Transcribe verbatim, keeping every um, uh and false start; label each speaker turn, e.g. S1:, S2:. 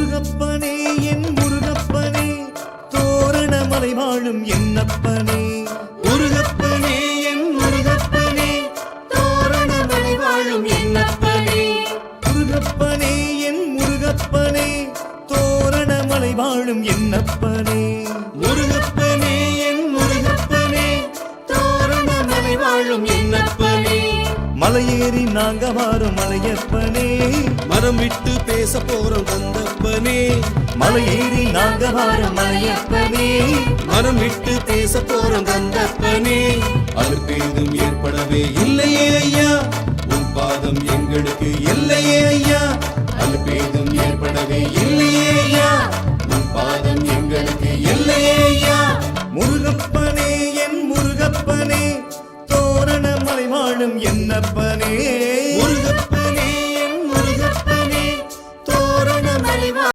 S1: முருகப்பனே என் முருகப்பனே தோரணமலை வாழும் என்னப்பனே முருகப்பனே என் முருகப்பனே தோரணமலை வாழும் என்னப்பனே முருகப்பனே என் முருகப்பனே தோரணமலை வாழும் என்னப்பனே முருகப்பனே என் முருகப்பனே தோரணமலை வாழும் என்னப்பனே மலையேறி நாங்க வாரும் மலையப்பனே
S2: மனம் விட்டு பேச போறோம் கந்தப்பனே
S1: மலையேறி நாங்க வாரும் மலையப்பனே
S2: மனம் விட்டு பேச போறோம் கந்தப்பனே அழுப்பேதும் ஏற்படவே இல்லையே ஐயா உன் பாதம் எங்களுக்கு இல்லையே ஐயா அழுப்பேதும் ஏற்படவே இல்லையே ஐயா உன் பாதம் எங்களுக்கு இல்லையே ஐயா
S1: முருகப்பனே என் முருகப்பனே தோரணமலை வாழும் என்னப்பனே
S2: முருகப்பனே